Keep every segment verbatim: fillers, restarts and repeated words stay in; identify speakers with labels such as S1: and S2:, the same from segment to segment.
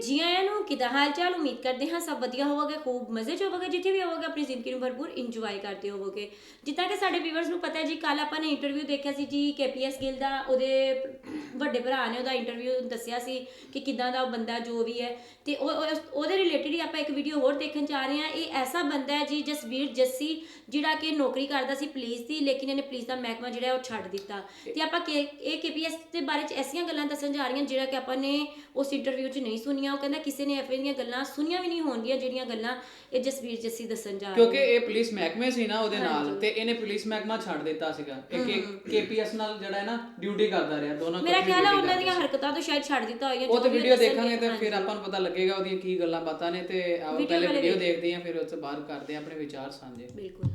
S1: ਜੀ ਆਇਆਂ ਨੂੰ, ਕਿੱਦਾਂ ਹਾਲ ਚਾਲ? ਉਮੀਦ ਕਰਦੇ ਹਾਂ ਸਭ ਵਧੀਆ ਹੋਵੋਗੇ, ਖੂਬ ਮਜ਼ੇ 'ਚ ਹੋਵੋਗੇ, ਜਿੱਥੇ ਵੀ ਹੋਵੋਗੇ ਆਪਣੀ ਜ਼ਿੰਦਗੀ ਨੂੰ ਭਰਪੂਰ ਇੰਜੋਏ ਕਰਦੇ ਹੋਵੋਗੇ। ਜਿੱਦਾਂ ਕਿ ਸਾਡੇ ਵੀਵਰਸ ਨੂੰ ਪਤਾ ਜੀ, ਕੱਲ ਆਪਾਂ ਨੇ ਇੰਟਰਵਿਊ ਦੇਖਿਆ ਸੀ ਜੀ ਕੇਪੀਐਸ ਗਿੱਲ ਦਾ। ਉਹਦੇ ਵੱਡੇ ਭਰਾ ਨੇ ਉਹਦਾ ਇੰਟਰਵਿਊ ਦੱਸਿਆ ਸੀ ਕਿ ਕਿੱਦਾਂ ਦਾ ਉਹ ਬੰਦਾ ਜੋ ਵੀ ਹੈ, ਤੇ ਉਹ ਉਹਦੇ ਰਿਲੇਟਿਡ ਹੀ ਆਪਾਂ ਇੱਕ ਵੀਡੀਓ ਹੋਰ ਦੇਖਣ ਜਾ ਰਹੇ ਹਾਂ। ਇਹ ਐਸਾ ਬੰਦਾ ਹੈ ਜੀ ਜਸਵੀਰ ਜੱਸੀ, ਜਿਹੜਾ ਕਿ ਨੌਕਰੀ ਕਰਦਾ ਸੀ ਪੁਲਿਸ ਦੀ, ਲੇਕਿਨ ਇਹਨੇ ਪੁਲਿਸ ਦਾ ਮਹਿਕਮਾ ਜਿਹੜਾ ਉਹ ਛੱਡ ਦਿੱਤਾ। ਤੇ ਆਪਾਂ ਕੇ ਇਹ ਕੇਪੀਐਸ ਦੇ ਬਾਰੇ 'ਚ ਐਸੀਆਂ ਗੱਲਾਂ ਦੱਸਣ ਜਾ ਰਹੀਆਂ ਜਿਹੜਾ ਕਿ ਆਪਾਂ ਨੇ ਉਸ ਇੰਟਰਵਿਊ 'ਚ ਨਹੀਂ ਸੁਣੀਆਂ। ਉਹ ਕਹਿੰਦਾ ਕਿਸੇ ਨੇ ਐਵੇਂ ਦੀਆਂ ਗੱਲਾਂ ਸੁਣੀਆਂ ਵੀ ਨਹੀਂ ਹੋਣਗੀਆਂ ਜਿਹੜੀਆਂ ਗੱਲਾਂ ਇਹ ਜਸਵੀਰ ਜੱਸੀ ਦੱਸਣ ਜਾ ਰਿਹਾ,
S2: ਕਿਉਂਕਿ ਇਹ ਪੁਲਿਸ ਮਹਿਕਮੇ ਸੀ ਨਾ ਉਹਦੇ ਨਾਲ, ਤੇ ਇਹਨੇ ਪੁਲਿਸ ਮਹਿਕਮਾ ਛੱਡ ਦਿੱਤਾ ਸੀਗਾ। ਇਹ ਕੇਪੀਐਸ ਨਾਲ ਜਿਹੜਾ ਹੈ ਨਾ ਡਿਊਟੀ ਕਰਦਾ ਰਿਹਾ, ਦੋਨੋਂ
S1: ਮੇਰਾ ਖਿਆਲ ਹੈ ਉਹਨਾਂ ਦੀਆਂ ਹਰਕਤਾਂ ਤੋਂ ਸ਼ਾਇਦ ਛੱਡ ਦਿੱਤਾ ਹੋਇਆ।
S2: ਉਹ ਤੇ ਵੀਡੀਓ ਦੇਖਾਂਗੇ ਤੇ ਫਿਰ ਆਪਾਂ ਨੂੰ ਪਤਾ ਲੱਗੇਗਾ ਉਹਦੀਆਂ ਕੀ ਗੱਲਾਂ ਬਾਤਾਂ ਨੇ। ਤੇ ਆਓ ਪਹਿਲੇ ਵੀਡੀਓ ਦੇਖਦੇ ਹਾਂ, ਫਿਰ ਉਸ ਤੋਂ ਬਾਅਦ ਕਰਦੇ ਹਾਂ ਆਪਣੇ ਵਿਚਾਰ ਸਾਂਝੇ।
S1: ਬਿਲਕੁਲ।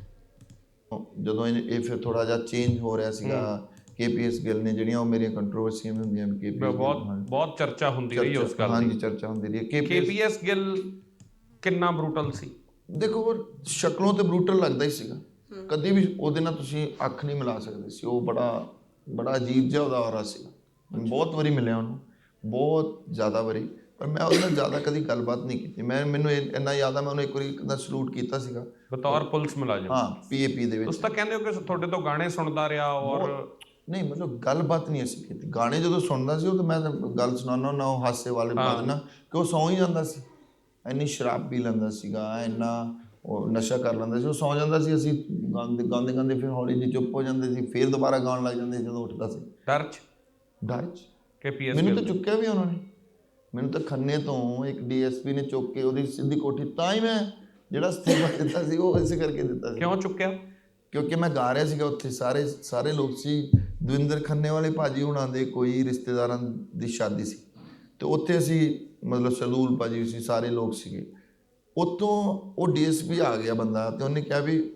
S3: ਜਦੋਂ ਇਹ ਫਿਰ ਥੋੜਾ ਜਿਹਾ ਚੇਂਜ ਹੋ ਰਿਹਾ ਸੀਗਾ, ਕੇਪੀਐਸ ਗਿੱਲ ਨੇ ਜਿਹੜੀਆਂ ਉਹ ਮੇਰੀਆਂ ਕੰਟਰੋਵਰਸੀਆਂ ਹੁੰਦੀਆਂ, ਕੇਪੀਐਸ
S4: ਬਹੁਤ ਬਹੁਤ ਚਰਚਾ ਹੁੰਦੀ ਰਹੀ ਉਸ ਗੱਲ ਦੀ।
S3: ਹਾਂਜੀ, ਚਰਚਾ ਹੁੰਦੀ ਰਹੀ।
S4: ਕੇਪੀਐਸ ਗਿੱਲ ਕਿੰਨਾ ਬਰੂਟਲ ਸੀ? ਦੇਖੋ,
S3: ਉਹ ਸ਼ਕਲੋਂ ਤੇ ਬਰੂਟਲ ਲੱਗਦਾ ਹੀ ਸੀਗਾ, ਕਦੀ ਵੀ ਉਹਦੇ ਨਾਲ ਤੁਸੀਂ ਅੱਖ ਨਹੀਂ ਮਿਲਾ ਸਕਦੇ ਸੀ। ਉਹ ਬੜਾ ਬੜਾ ਅਜੀਬ ਜਿਹਾ ਉਹਦਾ ਔਰਾ ਸੀਗਾ। ਬਹੁਤ ਵਾਰੀ ਮਿਲਿਆ ਉਹਨੂੰ, ਬਹੁਤ ਜ਼ਿਆਦਾ ਵਾਰੀ, ਪਰ ਮੈਂ ਉਹਦੇ ਨਾਲ ਜ਼ਿਆਦਾ ਕਦੀ ਗੱਲਬਾਤ ਨਹੀਂ ਕੀਤੀ। ਮੈਂ ਮੈਨੂੰ ਇੰਨਾ ਯਾਦ ਆ, ਮੈਂ ਉਹਨੂੰ ਇੱਕ ਵਾਰੀ ਦਾ ਸਲੂਟ ਕੀਤਾ ਸੀਗਾ
S4: ਬਤੌਰ ਪੁਲਿਸ ਮੁਲਾਜ਼ਮ।
S3: ਹਾਂ, ਪੀਏਪੀ ਦੇ ਵਿੱਚ।
S4: ਤੁਸੀਂ ਤਾਂ ਕਹਿੰਦੇ ਹੋ ਕਿ ਤੁਹਾਡੇ ਤੋਂ ਗਾਣੇ ਸੁਣਦਾ ਰਿਹਾ ਔਰ
S3: ਨਹੀਂ, ਮਤਲਬ ਗੱਲਬਾਤ ਨਹੀਂ ਅਸੀਂ ਕੀਤੀ। ਗਾਣੇ ਜਦੋਂ ਸੁਣਦਾ ਸੀ ਉਹ ਤਾਂ ਮੈਂ ਗੱਲ ਸੁਣਾਉਂਦਾ ਹੁੰਦਾ, ਉਹ ਹਾਸੇ ਵਾਲੇ ਪਾ ਦੇਣਾ ਕਿ ਉਹ ਸੌਂ ਹੀ ਜਾਂਦਾ ਸੀ। ਇੰਨੀ ਸ਼ਰਾਬ ਪੀ ਲੈਂਦਾ ਸੀਗਾ, ਇੰਨਾ ਉਹ ਨਸ਼ਾ ਕਰ ਲੈਂਦਾ ਸੀ, ਉਹ ਸੌਂ ਜਾਂਦਾ ਸੀ। ਅਸੀਂ ਗਾਉਂਦੇ ਗਾਉਂਦੇ ਗਾਉਂਦੇ ਫਿਰ ਹੌਲੀ ਜਿਹੀ ਚੁੱਪ ਹੋ ਜਾਂਦੇ ਸੀ, ਫਿਰ ਦੁਬਾਰਾ ਗਾਉਣ ਲੱਗ ਜਾਂਦੇ ਸੀ ਜਦੋਂ ਉੱਠਦਾ ਸੀ।
S4: ਡਰ 'ਚ
S3: ਡਰ 'ਚ
S4: ਕੇਪੀਐਸ
S3: ਮੈਨੂੰ ਤਾਂ ਚੁੱਕਿਆ ਵੀ ਉਹਨਾਂ ਨੇ। ਮੈਨੂੰ ਤਾਂ ਖੰਨੇ ਤੋਂ ਇੱਕ ਡੀਐਸਪੀ ਨੇ ਚੁੱਕ ਕੇ ਉਹਦੀ ਸਿੱਧੀ ਕੋਠੀ, ਤਾਂ ਹੀ ਮੈਂ ਜਿਹੜਾ ਅਸਤੀਫਾ ਦਿੱਤਾ ਸੀ ਉਹ ਇਸੇ ਕਰਕੇ ਦਿੱਤਾ ਸੀ।
S4: ਕਿਉਂ ਚੁੱਕਿਆ?
S3: ਕਿਉਂਕਿ ਮੈਂ ਗਾ ਰਿਹਾ ਸੀਗਾ ਉੱਥੇ, ਸਾਰੇ ਸਾਰੇ ਲੋਕ ਸੀ। ਦਵਿੰਦਰ ਖੰਨੇ ਵਾਲੇ ਭਾਜੀ ਹੁਣਾਂ ਦੇ ਕੋਈ ਰਿਸ਼ਤੇਦਾਰਾਂ ਦੀ ਸ਼ਾਦੀ ਸੀ, ਅਤੇ ਉੱਥੇ ਅਸੀਂ ਮਤਲਬ ਸਰਦੂਲ ਭਾਜੀ ਸੀ, ਸਾਰੇ ਲੋਕ ਸੀਗੇ। ਉੱਥੋਂ ਉਹ ਡੀਐਸਪੀ ਆ ਗਿਆ ਬੰਦਾ, ਅਤੇ ਉਹਨੇ ਕਿਹਾ ਵੀ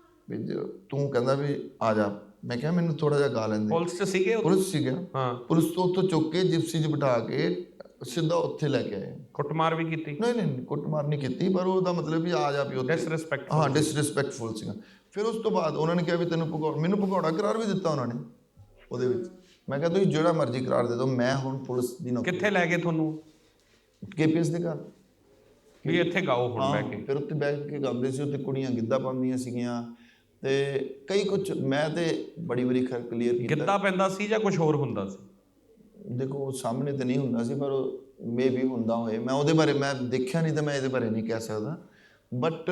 S3: ਤੂੰ ਕਹਿੰਦਾ ਵੀ ਆ ਜਾ। ਮੈਂ ਕਿਹਾ ਮੈਨੂੰ ਥੋੜ੍ਹਾ ਜਿਹਾ ਗਾ ਲੈਂਦੇ।
S4: ਪੁਲਿਸ 'ਚ ਸੀਗੇ?
S3: ਪੁਲਿਸ ਸੀਗਾ।
S4: ਹਾਂ, ਪੁਲਿਸ
S3: ਤੋਂ ਉੱਥੋਂ ਚੁੱਕ ਕੇ ਜਿਪਸੀ 'ਚ ਬਿਠਾ ਕੇ ਸਿੱਧਾ ਉੱਥੇ ਲੈ ਕੇ ਆਏ।
S4: ਕੁੱਟਮਾਰ ਵੀ ਕੀਤੀ? ਨਹੀਂ
S3: ਨਹੀਂ ਕੁੱਟਮਾਰ ਨਹੀਂ ਕੀਤੀ, ਪਰ ਉਹਦਾ ਮਤਲਬ ਵੀ ਆ ਜਾ ਵੀ ਉੱਥੇ
S4: ਡਿਸਰਿਸਪੈਕਟ।
S3: ਹਾਂ, ਡਿਸਰਿਸਪੈਕਟਫੁਲ ਸੀਗਾ। ਫਿਰ ਉਸ ਤੋਂ ਬਾਅਦ ਉਹਨਾਂ ਨੇ ਕਿਹਾ ਵੀ ਤੈਨੂੰ ਭਗੌੜਾ, ਮੈਨੂੰ ਭਗੌੜਾ ਕਰਾਰ ਵੀ ਦਿੱਤਾ ਉਹਨਾਂ ਨੇ ਉਹਦੇ ਵਿੱਚ। ਮੈਂ ਕਿਹਾ ਤੁਸੀਂ ਜਿਹੜਾ ਮਰਜ਼ੀ ਕਰਾਰ ਦੇ ਦਿਓ, ਮੈਂ ਹੁਣ ਪੁਲਿਸ ਦੀ ਨੌਕਰੀ।
S4: ਕਿੱਥੇ ਲੈ ਗਏ ਤੁਹਾਨੂੰ?
S3: ਕੇਪੀਐਸ ਦੇ ਘਰ
S4: ਵੀ ਇੱਥੇ ਗਾਓ ਹੁਣ ਬਹਿ ਕੇ।
S3: ਫਿਰ ਉੱਥੇ ਬੈਠ ਕੇ ਗਾਉਂਦੇ ਸੀ। ਉੱਥੇ ਕੁੜੀਆਂ ਗਿੱਧਾ ਪਾਉਂਦੀਆਂ ਸੀਗੀਆਂ, ਤੇ ਕਈ ਕੁਛ ਮੈਂ ਤੇ ਬੜੀ ਵਾਰੀ ਖਰ ਕਲੀਅਰ ਕੀਤਾ।
S4: ਗਿੱਧਾ ਪੈਂਦਾ ਸੀ ਜਾਂ ਕੁਝ ਹੋਰ ਹੁੰਦਾ ਸੀ?
S3: ਦੇਖੋ, ਸਾਹਮਣੇ ਤਾਂ ਨਹੀਂ ਹੁੰਦਾ ਸੀ, ਪਰ ਮੇ ਵੀ ਹੁੰਦਾ ਹੋਏ। ਮੈਂ ਉਹਦੇ ਬਾਰੇ ਮੈਂ ਦੇਖਿਆ ਨਹੀਂ, ਤਾਂ ਮੈਂ ਇਹਦੇ ਬਾਰੇ ਨਹੀਂ ਕਹਿ ਸਕਦਾ। ਬਟ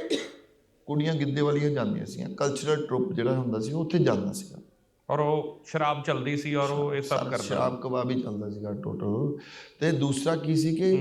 S3: ਕੁੜੀਆਂ ਗਿੱਧੇ ਵਾਲੀਆਂ ਜਾਂਦੀਆਂ ਸੀਗੀਆਂ, ਕਲਚਰਲ ਟਰੁੱਪ ਜਿਹੜਾ ਹੁੰਦਾ ਸੀ ਉੱਥੇ ਜਾਂਦਾ ਸੀਗਾ।
S4: ਔਰ ਉਹ ਸ਼ਰਾਬ ਚੱਲਦੀ ਸੀ, ਔਰ ਉਹ ਇਹ ਸਭ ਕਰਦਾ,
S3: ਸ਼ਰਾਬ ਕਬਾਬ ਹੀ ਚੱਲਦਾ ਸੀਗਾ ਟੋਟਲ। ਤੇ ਦੂਸਰਾ ਕੀ ਸੀ ਕਿ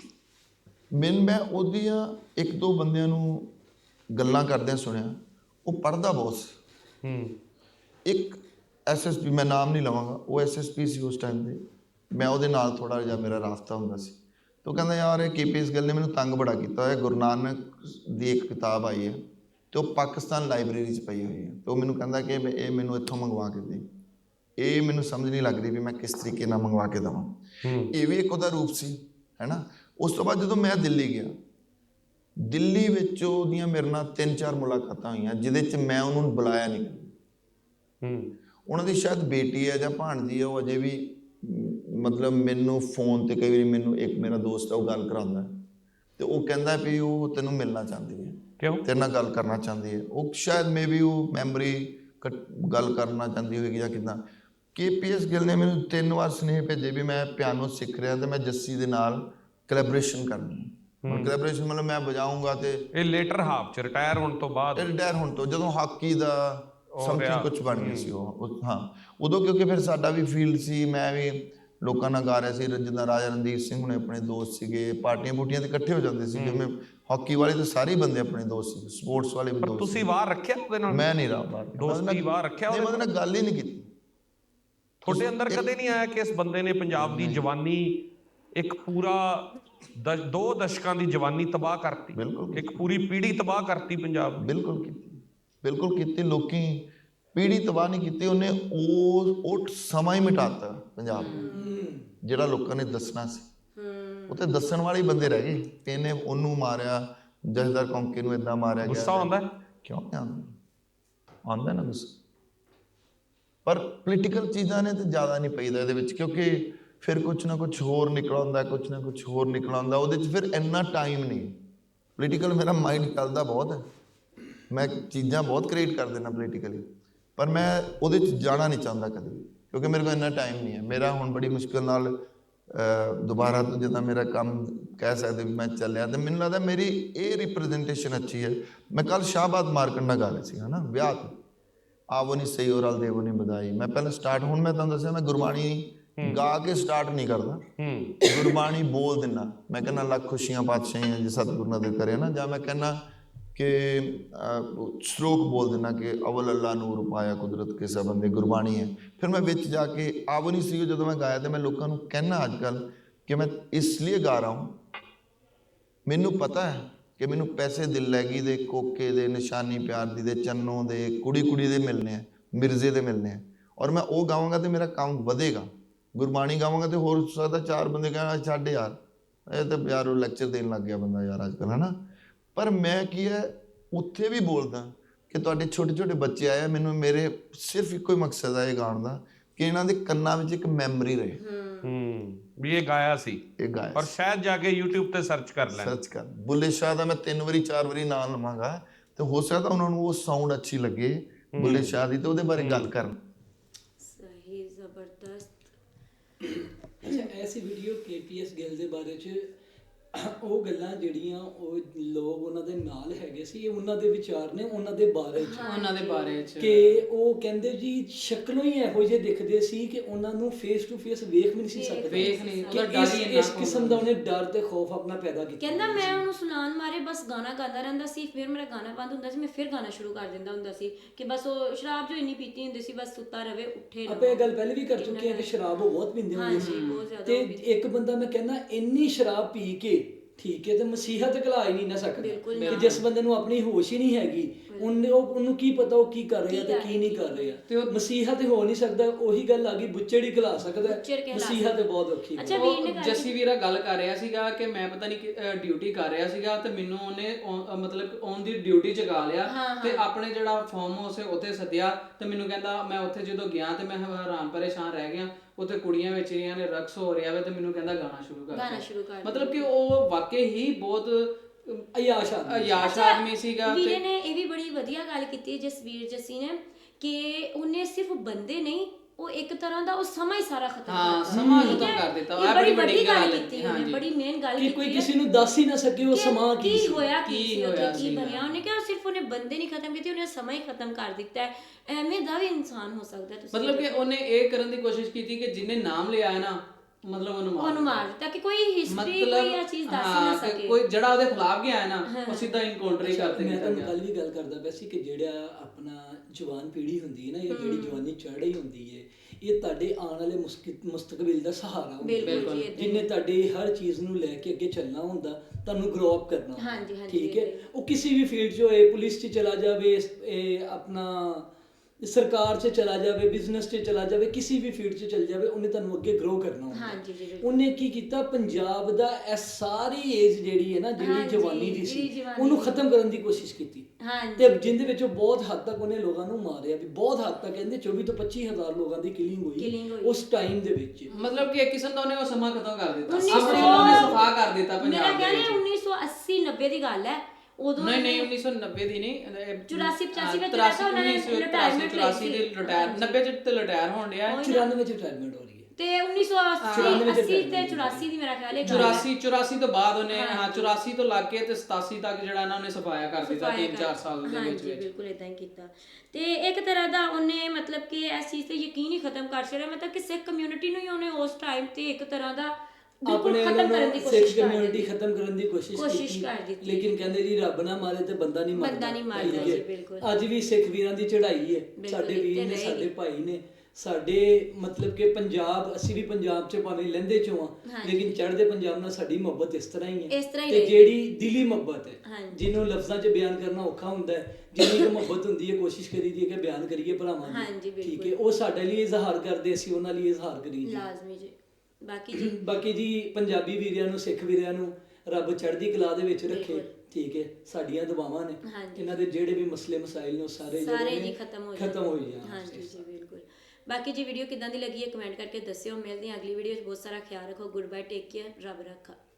S3: ਮੈਨੂੰ ਮੈਂ ਉਹਦੀਆਂ ਇੱਕ ਦੋ ਬੰਦਿਆਂ ਨੂੰ ਗੱਲਾਂ ਕਰਦਿਆਂ ਸੁਣਿਆ, ਉਹ ਪੜ੍ਹਦਾ ਬਹੁਤ ਸੀ। ਇੱਕ ਐਸ ਐਸ ਪੀ, ਮੈਂ ਨਾਮ ਨਹੀਂ ਲਵਾਂਗਾ, ਉਹ ਐਸ ਐਸ ਪੀ ਸੀ ਉਸ ਟਾਈਮ 'ਤੇ। ਮੈਂ ਉਹਦੇ ਨਾਲ ਥੋੜ੍ਹਾ ਜਿਹਾ ਮੇਰਾ ਰਾਬਤਾ ਹੁੰਦਾ ਸੀ। ਤੇ ਉਹ ਕਹਿੰਦਾ ਯਾਰ ਇਹ ਕੇਪੀਐਸ ਗਿੱਲ ਨੇ ਮੈਨੂੰ ਤੰਗ ਬੜਾ ਕੀਤਾ ਹੋਇਆ। ਗੁਰੂ ਨਾਨਕ ਦੀ ਇੱਕ ਕਿਤਾਬ ਆਈ ਹੈ, ਅਤੇ ਉਹ ਪਾਕਿਸਤਾਨ ਲਾਇਬ੍ਰੇਰੀ 'ਚ ਪਈ ਹੋਈ ਹੈ, ਅਤੇ ਉਹ ਮੈਨੂੰ ਕਹਿੰਦਾ ਕਿ ਇਹ ਮੈਨੂੰ ਇੱਥੋਂ ਮੰਗਵਾ ਕੇ ਦੇ। ਇਹ ਮੈਨੂੰ ਸਮਝ ਨਹੀਂ ਲੱਗ ਰਹੀ ਵੀ ਮੈਂ ਕਿਸ ਤਰੀਕੇ ਨਾਲ ਮੰਗਵਾ ਕੇ ਦੇਵਾਂ। ਇਹ ਵੀ ਇੱਕ ਉਹਦਾ ਰੂਪ ਸੀ, ਹੈ ਨਾ। ਉਸ ਤੋਂ ਬਾਅਦ ਜਦੋਂ ਮੈਂ ਦਿੱਲੀ ਗਿਆ, ਦਿੱਲੀ ਵਿੱਚ ਉਹਦੀਆਂ ਮੇਰੇ ਨਾਲ ਤਿੰਨ ਚਾਰ ਮੁਲਾਕਾਤਾਂ ਹੋਈਆਂ, ਜਿਹਦੇ 'ਚ ਮੈਂ ਉਹਨੂੰ ਬੁਲਾਇਆ ਨਹੀਂ। ਉਹਨਾਂ ਦੀ ਸ਼ਾਇਦ ਬੇਟੀ ਹੈ ਜਾਂ ਭਾਣਜੀ ਹੈ, ਉਹ ਅਜੇ ਵੀ ਮਤਲਬ ਮੈਨੂੰ ਫੋਨ 'ਤੇ ਕਈ ਵਾਰੀ ਮੈਨੂੰ ਇੱਕ ਮੇਰਾ ਦੋਸਤ ਹੈ ਉਹ ਗੱਲ ਕਰਾਉਂਦਾ, ਅਤੇ ਉਹ ਕਹਿੰਦਾ ਵੀ ਉਹ ਤੈਨੂੰ ਮਿਲਣਾ ਚਾਹੁੰਦੀ ਹੈ,
S4: ਕਿਉਂ
S3: ਤੇਰੇ ਨਾਲ ਗੱਲ ਕਰਨਾ ਚਾਹੁੰਦੀ ਹੈ। ਉਹ ਸ਼ਾਇਦ ਮੇ ਵੀ ਉਹ ਮੈਮਰੀ ਗੱਲ ਕਰਨਾ ਚਾਹੁੰਦੀ ਹੋਏਗੀ ਜਾਂ ਕਿੱਦਾਂ। ਕੇਪੀਐਸ ਗਿੱਲ ਨੇ ਮੈਨੂੰ ਤਿੰਨ ਵਾਰ ਸੁਨੇਹੇ ਭੇਜੇ ਵੀ ਮੈਂ ਪਿਆਨੋ ਸਿੱਖ ਰਿਹਾ ਅਤੇ ਮੈਂ ਜੱਸੀ ਦੇ ਨਾਲ ਕੋਲੈਬੋਰੇਸ਼ਨ ਕਰਨੀ ਹੈ। ਹੁਣ ਕੋਲੈਬੋਰੇਸ਼ਨ ਮਤਲਬ ਮੈਂ ਵਜਾਊਂਗਾ। ਅਤੇ
S4: ਇਹ ਲੇਟਰ ਹਾਫ 'ਚ ਰਿਟਾਇਰ ਹੋਣ ਤੋਂ ਬਾਅਦ?
S3: ਰਿਟਾਇਰ ਹੋਣ ਤੋਂ, ਜਦੋਂ ਹਾਕੀ ਦਾ ਸਮਥਿੰਗ ਕੁਛ ਬਣ ਗਿਆ ਸੀ ਉਹ। ਹਾਂ, ਉਦੋਂ ਕਿਉਂਕਿ ਫਿਰ ਸਾਡਾ ਵੀ ਫੀਲਡ ਸੀ, ਮੈਂ ਵੀ ਲੋਕਾਂ ਨਾਲ ਗਾ ਰਿਹਾ ਸੀ। ਜਿੱਦਾਂ ਰਾਜਾ ਰਣਜੀਤ ਸਿੰਘ ਹੁਣੇ ਆਪਣੇ ਦੋਸਤ ਸੀਗੇ, ਪਾਰਟੀਆਂ ਪੂਟੀਆਂ 'ਤੇ ਇਕੱਠੇ ਹੋ ਜਾਂਦੇ ਸੀ। ਜਿਵੇਂ ਹਾਕੀ ਵਾਲੇ ਤਾਂ ਸਾਰੇ ਹੀ ਬੰਦੇ ਆਪਣੇ ਦੋਸਤ ਸੀ, ਸਪੋਰਟਸ ਵਾਲੇ ਵੀ ਦੋਸਤ।
S4: ਤੁਸੀਂ ਵਾਰ ਰੱਖਿਆ ਉਹਦੇ ਨਾਲ?
S3: ਮੈਂ ਨਹੀਂ ਰਹਾ ਵਾਰ,
S4: ਦੋਸਤੀ ਵਾਰ ਰੱਖਿਆ ਉਹਦੇ
S3: ਨਾਲ? ਗੱਲ ਹੀ ਨਹੀਂ ਕੀਤੀ।
S4: ਤੁਹਾਡੇ ਅੰਦਰ ਕਦੇ ਨਹੀਂ ਆਇਆ ਕਿ ਇਸ ਬੰਦੇ ਨੇ ਪੰਜਾਬ ਦੀ ਜਵਾਨੀ, ਇੱਕ ਪੂਰਾ ਦ ਦੋ ਦਸ਼ਕਾਂ ਦੀ ਜਵਾਨੀ ਤਬਾਹ ਕਰਤੀ?
S3: ਬਿਲਕੁਲ, ਇੱਕ
S4: ਪੂਰੀ ਪੀੜ੍ਹੀ ਤਬਾਹ ਕਰਤੀ ਪੰਜਾਬ ਦੀ।
S3: ਬਿਲਕੁਲ ਕੀਤੀ, ਬਿਲਕੁਲ ਕੀਤੀ। ਲੋਕੀ ਪੀੜ੍ਹੀ ਤਬਾਹ ਨਹੀਂ ਕੀਤੀ, ਉਹਨੇ ਉਹ ਉਹ ਸਮਾਂ ਹੀ ਮਿਟਾਤਾ ਪੰਜਾਬ ਨੂੰ, ਜਿਹੜਾ ਲੋਕਾਂ ਨੇ ਦੱਸਣਾ ਸੀ। ਉਹ ਤਾਂ ਦੱਸਣ ਵਾਲੇ ਬੰਦੇ ਰਹਿ ਗਏ ਕਿ ਇਹਨੇ ਉਹਨੂੰ ਮਾਰਿਆ, ਜਥੇਦਾਰ ਕੌਂਕੇ ਨੂੰ ਇੱਦਾਂ ਮਾਰਿਆ ਗਿਆ।
S4: ਗੁੱਸਾ ਆਉਂਦਾ?
S3: ਕਿਉਂ ਨਹੀਂ ਆਉਂਦਾ? ਆਉਂਦਾ ਨਾ ਗੁੱਸਾ, ਪਰ ਪੋਲੀਟੀਕਲ ਚੀਜ਼ਾਂ ਨੇ ਤਾਂ ਜ਼ਿਆਦਾ ਨਹੀਂ ਪਈਦਾ ਇਹਦੇ ਵਿੱਚ, ਕਿਉਂਕਿ ਫਿਰ ਕੁਛ ਨਾ ਕੁਛ ਹੋਰ ਨਿਕਲ ਆਉਂਦਾ, ਕੁਛ ਨਾ ਕੁਛ ਹੋਰ ਨਿਕਲ ਆਉਂਦਾ, ਉਹਦੇ 'ਚ ਫਿਰ ਇੰਨਾ ਟਾਈਮ ਨਹੀਂ। ਪੋਲੀਟੀਕਲ ਮੇਰਾ ਮਾਈਂਡ ਚੱਲਦਾ ਬਹੁਤ ਹੈ, ਮੈਂ ਚੀਜ਼ਾਂ ਬਹੁਤ ਕ੍ਰੀਏਟ ਕਰ ਦਿੰਦਾ ਪੋਲੀਟੀਕਲੀ, ਪਰ ਮੈਂ ਉਹਦੇ 'ਚ ਜਾਣਾ ਨਹੀਂ ਚਾਹੁੰਦਾ ਕਦੇ, ਕਿਉਂਕਿ ਮੇਰੇ ਕੋਲ ਇੰਨਾ ਟਾਈਮ ਨਹੀਂ ਹੈ। ਮੇਰਾ ਹੁਣ ਬੜੀ ਮੁਸ਼ਕਿਲ ਨਾਲ ਦੁਬਾਰਾ ਤੋਂ ਜਿੱਦਾਂ ਮੇਰਾ ਕੰਮ ਕਹਿ ਸਕਦੇ ਵੀ ਮੈਂ ਚੱਲਿਆ, ਅਤੇ ਮੈਨੂੰ ਲੱਗਦਾ ਮੇਰੀ ਇਹ ਰਿਪਰੈਜ਼ੈਂਟੇਸ਼ਨ ਅੱਛੀ ਹੈ। ਮੈਂ ਕੱਲ੍ਹ ਸ਼ਾਹਬਾਦ ਮਾਰਕੀਟ ਨਾਲ ਗਾ ਰਿਹਾ ਸੀ ਹੈ ਨਾ, ਵਿਆਹ 'ਤੇ ਆਵੋ ਨਹੀਂ ਸਹੀ ਔਰ ਦੇਵੋ ਨਹੀਂ ਵਧਾਈ। ਮੈਂ ਪਹਿਲਾਂ ਸਟਾਰਟ, ਹੁਣ ਮੈਂ ਤੁਹਾਨੂੰ ਦੱਸਿਆ ਮੈਂ ਗੁਰਬਾਣੀ ਗਾ ਕੇ ਸਟਾਰਟ ਨਹੀਂ ਕਰਦਾ, ਗੁਰਬਾਣੀ ਬੋਲ ਦਿੰਦਾ। ਮੈਂ ਕਹਿੰਦਾ ਲੱਖ ਖੁਸ਼ੀਆਂ ਪਾਤਸ਼ਾਹੀਆਂ ਜੀ ਸਤਿਗੁਰੂ ਨਾਲ ਦੇ ਕਰੇ ਨਾ, ਜਾਂ ਮੈਂ ਕਹਿੰਦਾ ਕਿ ਸ਼ਲੋਕ ਬੋਲ ਦਿੰਦਾ ਕਿ ਅਵਲ ਅੱਲਾ ਨੂਰ ਪਾਇਆ ਕੁਦਰਤ ਕੇ ਸਬੰਦੇ, ਗੁਰਬਾਣੀ ਹੈ। ਫਿਰ ਮੈਂ ਵਿੱਚ ਜਾ ਕੇ ਆਵੋ ਨਹੀਂ ਸੀ ਜਦੋਂ ਮੈਂ ਗਾਇਆ, ਤਾਂ ਮੈਂ ਲੋਕਾਂ ਨੂੰ ਕਹਿੰਦਾ ਅੱਜ ਕੱਲ੍ਹ ਕਿ ਮੈਂ ਇਸ ਲਈ ਗਾ ਰਹਾ ਹੂੰ, ਮੈਨੂੰ ਪਤਾ ਹੈ ਕਿ ਮੈਨੂੰ ਪੈਸੇ ਦਿਲ ਲੈਗੀ ਦੇ, ਕੋਕੇ ਦੇ, ਨਿਸ਼ਾਨੀ ਪਿਆਰ ਦੀ ਦੇ, ਚੰਨੋ ਦੇ, ਕੁੜੀ ਕੁੜੀ ਦੇ ਮਿਲਣੇ ਆ, ਮਿਰਜ਼ੇ ਦੇ ਮਿਲਣੇ ਆ, ਔਰ ਮੈਂ ਉਹ ਗਾਵਾਂਗਾ ਤਾਂ ਮੇਰਾ ਕੰਮ ਵਧੇਗਾ। ਗੁਰਬਾਣੀ ਗਾਵਾਂਗਾ ਤਾਂ ਹੋਰ ਸਕਦਾ ਚਾਰ ਬੰਦੇ ਕਹਿਣਾ ਛੱਡ ਯਾਰ, ਇਹ ਤਾਂ ਯਾਰ ਉਹ ਲੈਕਚਰ ਦੇਣ ਲੱਗ ਗਿਆ ਬੰਦਾ ਯਾਰ ਅੱਜ ਕੱਲ੍ਹ, ਹੈ ਨਾ। ਪਰ ਮੈਂ ਕੀ ਹੈ ਉੱਥੇ ਵੀ ਬੋਲਦਾ ਕਿ ਤੁਹਾਡੇ ਛੋਟੇ ਛੋਟੇ ਬੱਚੇ ਆਏ, ਮੈਨੂੰ ਮੇਰੇ ਸਿਰਫ ਇੱਕੋ ਹੀ ਮਕਸਦ ਹੈ ਇਹ ਗਾਉਣ ਦਾ ਕਿ ਇਹਨਾਂ ਦੇ ਕੰਨਾਂ ਵਿੱਚ ਇੱਕ ਮੈਮਰੀ ਰਹੇ
S4: ਹੂੰ ਵੀ ਇਹ ਗਾਇਆ ਸੀ,
S3: ਇਹ ਗਾਇਆ,
S4: ਔਰ ਸ਼ਾਇਦ ਜਾ ਕੇ YouTube ਤੇ ਸਰਚ ਕਰ ਲੈਣ।
S3: ਸਰਚ ਕਰ ਬੁੱਲੇ ਸ਼ਾਹ ਦਾ ਮੈਂ ਤਿੰਨ ਵਾਰੀ ਚਾਰ ਵਾਰੀ ਨਾਂ ਲਵਾਂਗਾ, ਤੇ ਹੋ ਸਕਦਾ ਉਹਨਾਂ ਨੂੰ ਉਹ ਸਾਊਂਡ ਅੱਛੀ ਲੱਗੇ ਬੁੱਲੇ ਸ਼ਾਹ ਦੀ, ਤੇ ਉਹਦੇ ਬਾਰੇ ਗੱਲ ਕਰਨ।
S1: ਸਹੀ, ਜ਼ਬਰਦਸਤ।
S5: ਅੱਛਾ, ਐਸੀ ਵੀਡੀਓ ਕੇਪੀਐਸ ਗਿੱਲ ਦੇ ਬਾਰੇ 'ਚ ਉਹ ਗੱਲਾਂ ਜਿਹੜੀਆਂ ਉਹ ਲੋਕ ਉਹਨਾਂ ਦੇ ਨਾਲ ਹੈਗੇ ਸੀ, ਇਹ ਉਹਨਾਂ ਦੇ ਵਿਚਾਰ ਨੇ ਉਹਨਾਂ ਦੇ ਬਾਰੇ 'ਚ,
S2: ਉਹਨਾਂ ਦੇ ਬਾਰੇ 'ਚ
S5: ਕਿ ਉਹ ਕਹਿੰਦੇ ਜੀ ਸ਼ਕਲੋਂ ਹੀ ਇਹੋ ਜਿਹੇ ਦਿਖਦੇ ਸੀ ਕਿ ਉਹਨਾਂ ਨੂੰ ਫੇਸ ਟੂ ਫੇਸ ਵੇਖ ਵੀ ਨਹੀਂ ਸੀ ਸਕਦੇ,
S2: ਵੇਖ ਨਹੀਂ,
S5: ਕਿ
S2: ਉਹਦਾ ਡਰ
S5: ਇਸ
S2: ਹੀ ਇੰਨਾ
S5: ਇਸ ਕਿਸਮ ਦਾ ਉਹਨੇ ਡਰ ਤੇ ਖੌਫ ਆਪਣਾ ਪੈਦਾ ਕੀਤਾ।
S1: ਕਹਿੰਦਾ ਮੈਂ ਉਹਨੂੰ ਸੁਣਾਉਣ ਮਾਰੇ ਬਸ ਗਾਣਾ ਗਾਉਂਦਾ ਰਹਿੰਦਾ ਸੀ, ਫਿਰ ਮੇਰਾ ਗਾਣਾ ਬੰਦ ਹੁੰਦਾ ਸੀ, ਮੈਂ ਫਿਰ ਗਾਣਾ ਸ਼ੁਰੂ ਕਰ ਦਿੰਦਾ ਹੁੰਦਾ ਸੀ ਕਿ ਬਸ ਉਹ ਸ਼ਰਾਬ ਜੋ ਇੰਨੀ ਪੀਤੀ ਹੁੰਦੀ ਸੀ, ਬਸ ਸੁੱਤਾ ਰਵੇ ਉੱਠੇ ਨਾ।
S5: ਆਪਾਂ ਇਹ ਗੱਲ ਪਹਿਲੇ ਵੀ ਕਰ ਚੁੱਕੇ ਹਾਂ ਕਿ ਸ਼ਰਾਬ ਉਹ ਬਹੁਤ ਪੀਂਦੇ ਹੁੰਦੇ ਸੀ, ਤੇ ਇੱਕ ਬੰਦਾ ਮੈਂ ਕਹਿੰਦਾ ਇੰਨੀ ਸ਼ਰਾਬ ਪੀ ਕੇ ਠੀਕ ਹੈ ਤੇ ਮਸੀਹਾ ਤੇ ਘਲਾ ਹੀ ਨਹੀਂ ਨਾ ਸਕਦਾ, ਕਿ ਜਿਸ ਬੰਦੇ ਨੂੰ ਆਪਣੀ ਹੋਸ਼ ਹੀ ਨਹੀਂ ਹੈਗੀ, ਉਹਨੇ ਉਹ ਉਹਨੂੰ ਕੀ ਪਤਾ ਉਹ ਕੀ ਕਰ ਰਿਹਾ ਤੇ ਕੀ ਨਹੀਂ ਕਰ ਰਿਹਾ, ਤੇ ਉਹ ਮਸੀਹਾ ਤੇ ਹੋ ਨਹੀਂ ਸਕਦਾ। ਉਹੀ ਗੱਲ ਆ ਗਈ, ਬੁੱਚੜ ਹੀ ਘਲਾ ਸਕਦਾ, ਮਸੀਹਾ ਤੇ ਬਹੁਤ ਔਖੀ ਗੱਲ।
S1: ਅੱਛਾ,
S2: ਜੱਸੀ ਵੀਰਾ ਗੱਲ ਕਰ ਰਿਹਾ ਸੀਗਾ ਕਿ ਮੈਂ ਪਤਾ ਨਹੀਂ ਡਿਊਟੀ ਕਰ ਰਿਹਾ ਸੀਗਾ ਤੇ ਮੈਨੂੰ ਉਹਨੇ ਮਤਲਬ ਔਨ ਦੀ ਡਿਊਟੀ ਚ ਗਾ ਲਿਆ, ਤੇ ਆਪਣੇ ਜਿਹੜਾ ਫਾਰਮ ਹਾਊਸ ਹੈ ਉੱਥੇ ਸੱਦਿਆ, ਤੇ ਮੈਨੂੰ ਕਹਿੰਦਾ ਮੈਂ ਉੱਥੇ ਜਦੋਂ ਗਿਆ ਤੇ ਮੈਂ ਹੈਰਾਨ ਪਰੇਸ਼ਾਨ ਰਹਿ ਗਿਆ, ਉੱਥੇ ਕੁੜੀਆਂ ਵਿੱਚ ਰਹੀਆਂ ਨੇ, ਰਕਸ ਹੋ ਰਿਹਾ ਵੇ, ਤੇ ਮੈਨੂੰ ਕਹਿੰਦਾ ਗਾਣਾ ਸ਼ੁਰੂ ਕਰ
S1: ਗਾਣਾ ਸ਼ੁਰੂ ਕਰ।
S2: ਮਤਲਬ ਕਿ ਉਹ ਵਾਕਈ ਹੀ ਬਹੁਤ
S5: ਅਯਾਸ਼ ਆਦਮੀ
S2: ਅਯਾਸ਼ ਆਦਮੀ ਸੀਗਾ।
S1: ਵੀਰੇ ਨੇ ਇਹ ਵੀ ਬੜੀ ਵਧੀਆ ਗੱਲ ਕੀਤੀ ਜਸਵੀਰ ਜੱਸੀ ਨੇ ਕਿ ਉਹਨੇ ਸਿਰਫ ਬੰਦੇ ਨਹੀਂ, ਉਹ ਇੱਕ ਤਰ੍ਹਾਂ ਦਾ ਉਹ ਸਮਾਂ ਹੀ ਸਾਰਾ ਖਤਮ
S2: ਹਾਂ
S1: ਕਰ ਦਿੱਤਾ,
S2: ਸਮਾਂ ਖਤਮ ਕਰ ਦਿੱਤਾ।
S1: ਇਹ ਬੜੀ ਵੱਡੀ ਗੱਲ ਕੀਤੀ ਉਹਨੇ, ਬੜੀ ਮੇਨ ਗੱਲ ਕੀਤੀ
S5: ਕਿ ਕੋਈ ਕਿਸੇ ਨੂੰ ਦੱਸ ਹੀ ਨਾ ਸਕੇ ਉਹ ਸਮਾਂ ਕੀ
S1: ਕੀ ਹੋਇਆ, ਕੀ ਸੀ ਉੱਥੇ, ਕੀ
S2: ਸੀ।
S1: ਬਣਿਆ। ਉਹਨੇ ਕਿਹਾ ਸਿਰਫ ਉਹਨੇ ਬੰਦੇ ਨਹੀਂ ਖਤਮ ਕੀਤੇ, ਉਹਨੇ ਸਮਾਂ ਹੀ ਖਤਮ ਕਰ ਦਿੱਤਾ ਹੈ। ਐਵੇਂ ਦਾ ਵੀ ਇਨਸਾਨ ਹੋ ਸਕਦਾ। ਤੁਸੀਂ
S2: ਮਤਲਬ ਕਿ ਉਹਨੇ ਇਹ ਕਰਨ ਦੀ ਕੋਸ਼ਿਸ਼ ਕੀਤੀ ਕਿ ਜਿਹਨੇ ਨਾਮ ਲਿਆ ਹੈ ਨਾ, ਮਤਲਬ ਉਹਨੂੰ ਮਾਰ
S1: ਉਹਨੂੰ ਮਾਰ ਦਿੱਤਾ, ਕਿ ਕੋਈ ਹਿਸਟਰੀ ਕੋਈ ਇਹ ਚੀਜ਼ ਦੱਸ ਹੀ ਨਾ ਸਕੇ,
S2: ਕੋਈ ਜਿਹੜਾ ਉਹਦੇ ਖਿਲਾਫ ਗਿਆ ਹੈ ਨਾ ਉਹ ਸਿੱਧਾ ਇਨਕਾਊਂਟਰ ਹੀ ਕਰ
S5: ਮੈਂ
S2: ਦਿੰਦਾ।
S5: ਤੁਹਾਨੂੰ ਕੱਲ ਵੀ ਗੱਲ ਕਰਦਾ ਪਿਆ ਸੀ ਕਿ ਜਿਹੜਾ ਆਪਣਾ ਜਵਾਨ ਪੀੜ੍ਹੀ ਹੁੰਦੀ ਹੈ ਨਾ, ਜਾਂ ਜਿਹੜੀ ਜਵਾਨੀ ਚੜ੍ਹ ਰਹੀ ਹੁੰਦੀ ਹੈ, ਇਹ ਤੁਹਾਡੇ ਆਉਣ ਵਾਲੇ ਮੁਸਤਕਬਲ ਦਾ ਸਹਾਰਾ ਹੁੰਦਾ, ਜਿਹਨੇ ਤੁਹਾਡੇ ਹਰ ਚੀਜ਼ ਨੂੰ ਲੈ ਕੇ ਅੱਗੇ ਚੱਲਣਾ ਹੁੰਦਾ, ਤੁਹਾਨੂੰ ਗਰੋ ਅਪ ਕਰਨਾ ਹੁੰਦਾ, ਠੀਕ ਹੈ। ਉਹ ਕਿਸੇ ਵੀ ਫੀਲਡ 'ਚ ਹੋਏ, ਪੁਲਿਸ 'ਚ ਚਲਾ ਜਾਵੇ, ਇਹ ਆਪਣਾ ਸਰਕਾਰ 'ਚ ਚਲਾ ਜਾਵੇ, ਬਿਜ਼ਨਸ 'ਚ ਚਲਾ ਜਾਵੇ, ਕਿਸੇ ਵੀ ਫੀਲਡ 'ਚ ਚਲ ਜਾਵੇ, ਉਹਨੇ ਤੁਹਾਨੂੰ ਅੱਗੇ ਗਰੋ ਕਰਨਾ ਹੁੰਦਾ। ਉਹਨੇ ਕੀ ਕੀਤਾ, ਪੰਜਾਬ ਦਾ ਇਹ ਸਾਰੀ ਏਜ ਜਿਹੜੀ ਹੈ ਨਾ, ਜਿਹੜੀ ਜਵਾਨੀ ਦੀ ਸੀ, ਉਹਨੂੰ ਖਤਮ ਕਰਨ ਦੀ ਕੋਸ਼ਿਸ਼ ਕੀਤੀ, ਤੇ ਜਿੰਦੇ ਵਿੱਚ ਉਹ ਬਹੁਤ ਹੱਦ ਤੱਕ ਉਹਨੇ ਲੋਕਾਂ ਨੂੰ ਮਾਰਿਆ ਵੀ, ਬਹੁਤ ਹੱਦ ਤੱਕ ਕਹਿੰਦੇ ਚੌਵੀ ਤੋਂ ਪੱਚੀ ਹਜ਼ਾਰ ਲੋਕਾਂ ਦੀ ਕਿਲਿੰਗ ਹੋਈ ਉਸ ਟਾਈਮ ਦੇ ਵਿੱਚ।
S2: ਮਤਲਬ ਕਿ ਇੱਕ ਕਿਸਮ ਦਾ ਉਹਨੇ ਉਹ ਸਮਾਂ ਖਤਮ ਕਰ ਦਿੱਤਾ, ਆਪਣੇ ਉਹਨੇ ਸਫਾ ਕਰ ਦਿੱਤਾ ਪੰਜਾਬ ਦੇ ਵਿੱਚ।
S1: ਉੱਨੀ ਸੌ ਅੱਸੀ ਨੱਬੇ ਦੀ ਗੱਲ ਹੈ, ਉਦੋਂ
S2: ਨਹੀਂ ਨਹੀਂ ਉੱਨੀ ਸੌ ਨੱਬੇ ਦੀ ਨਹੀਂ,
S1: ਚੁਰਾਸੀ ਪਚਾਸੀ ਵਿੱਚ ਜਿਹੜਾ ਉਹਨਾਂ ਨੇ ਰਿਟਾਇਰਮੈਂਟ ਲਈ ਸੀ,
S2: ਦੀ ਰਿਟਾਇਰ ਨੱਬੇ ਚ ਤੇ ਰਿਟਾਇਰ ਹੋਣ ਡਿਆ,
S5: ਚੁਰਾਨਵੇਂ ਚ ਰਿਟਾਇਰਮੈਂਟ ਹੋ ਰਹੀ ਹੈ,
S1: ਤੇ ਉੱਨੀ ਸੌ ਅੱਸੀ ਤੇ ਚੁਰਾਸੀ ਦੀ ਮੇਰਾ ਖਿਆਲ ਹੈ,
S2: ਚੁਰਾਸੀ ਚੁਰਾਸੀ ਤੋਂ ਬਾਅਦ ਉਹਨੇ ਹਾਂ ਚੁਰਾਸੀ ਤੋਂ ਲੱਗ ਕੇ ਤੇ ਸਤਾਸੀ ਤੱਕ ਜਿਹੜਾ ਇਹਨਾਂ ਨੇ ਸਫਾਇਆ ਕਰ ਦਿੱਤਾ ਤਿੰਨ ਚਾਰ ਸਾਲ ਦੇ ਵਿੱਚ ਵਿੱਚ।
S1: ਬਿਲਕੁਲ ਇਦਾਂ ਹੀ ਕੀਤਾ, ਤੇ ਇੱਕ ਤਰ੍ਹਾਂ ਦਾ ਉਹਨੇ ਮਤਲਬ ਕਿ ਇਸ ਚੀਜ਼ ਤੇ ਯਕੀਨ ਹੀ ਖਤਮ ਕਰ ਛੱਡਿਆ, ਮਤਲਬ ਕਿ ਸਿੱਖ ਕਮਿਊਨਿਟੀ ਨੂੰ ਹੀ ਉਹਨੇ ਉਸ ਟਾਈਮ ਤੇ ਇੱਕ ਤਰ੍ਹਾਂ ਦਾ
S5: ਆਪਣੇ
S1: ਖਤਮ ਕਰਨ ਦੀ
S5: ਕੋਸ਼ਿਸ਼ ਸਿੱਖ ਕਮਿਊਨਿਟੀ ਖਤਮ ਕਰਨ ਦੀ ਕੋਸ਼ਿਸ਼
S1: ਕੋਸ਼ਿਸ਼ ਕਰ ਦਿੱਤੀ,
S5: ਲੇਕਿਨ ਕਹਿੰਦੇ ਜੀ ਰੱਬ ਨਾ ਮਾਰੇ ਤੇ ਬੰਦਾ ਨਹੀਂ ਮਾਰਦਾ,
S1: ਬੰਦਾ ਨਹੀਂ ਮਾਰਦਾ ਜੀ, ਬਿਲਕੁਲ।
S5: ਅੱਜ ਵੀ ਸਿੱਖ ਵੀਰਾਂ ਦੀ ਚੜ੍ਹਾਈ ਹੈ, ਸਾਡੇ ਵੀਰ ਨੇ, ਸਾਡੇ ਭਾਈ ਨੇ, ਸਾਡੇ ਮਤਲਬ ਕਿ ਪੰਜਾਬ, ਅਸੀਂ ਵੀ ਪੰਜਾਬ 'ਚ ਭਾਵੇਂ ਲਹਿੰਦੇ 'ਚੋਂ ਆ, ਲੇਕਿਨ ਚੜ੍ਹਦੇ ਪੰਜਾਬ ਨਾਲ ਸਾਡੀ ਮੁਹੱਬਤ ਇਸ ਤਰ੍ਹਾਂ ਹੀ ਹੈ, ਤੇ ਜਿਹੜੀ ਦਿਲੀ ਮੁਹੱਬਤ ਹੈ, ਜਿਹਨੂੰ ਲਫ਼ਜ਼ਾਂ 'ਚ ਬਿਆਨ ਕਰਨਾ ਔਖਾ ਹੁੰਦਾ ਹੈ, ਜਿੰਨੀ ਕੁ ਮੁਹੱਬਤ ਹੁੰਦੀ ਹੈ ਕੋਸ਼ਿਸ਼ ਕਰੀਦੀ ਹੈ ਕਿ ਬਿਆਨ ਕਰੀਏ ਭਰਾਵਾਂ ਦੀ, ਠੀਕ ਹੈ। ਉਹ ਸਾਡੇ ਲਈ ਇਜ਼ਹਾਰ ਕਰਦੇ, ਅਸੀਂ ਉਹਨਾਂ ਲਈ ਇਜ਼ਹਾਰ ਕਰੀਏ
S1: ਲਾਜ਼ਮੀ ਜੀ। ਬਾਕੀ ਜੀ
S5: ਬਾਕੀ ਜੀ ਪੰਜਾਬੀ ਵੀਰਿਆਂ ਨੂੰ, ਸਿੱਖ ਵੀਰਿਆਂ ਨੂੰ ਰੱਬ ਚੜ੍ਹਦੀ ਕਲਾ ਦੇ ਵਿੱਚ ਰੱਖੇ, ਠੀਕ ਹੈ। ਸਾਡੀਆਂ ਦੁਆਵਾਂ ਨੇ, ਇਹਨਾਂ ਦੇ ਜਿਹੜੇ ਵੀ ਮਸਲੇ ਮਸਾਇਲ ਨੇ ਉਹ ਸਾਰੇ
S1: ਸਾਰੇ ਜੀ ਖਤਮ ਹੋ
S5: ਖਤਮ ਹੋ ਜਾਣ।
S1: ਹਾਂਜੀ ਜੀ, ਬਿਲਕੁਲ। ਬਾਕੀ ਜੀ ਵੀਡੀਓ ਕਿਦਾਂ ਦੀ ਲੱਗੀ ਹੈ ਕਮੈਂਟ ਕਰਕੇ ਦੱਸਿਓ। ਮਿਲਦੇ ਹਾਂ ਅਗਲੀ ਵੀਡੀਓ 'ਚ। ਬਹੁਤ ਸਾਰਾ ਖਿਆਲ ਰੱਖੋ। ਗੁੱਡ ਬਾਏ, ਟੇਕ ਕੇਅਰ, ਰੱਬ ਰੱਖਾ।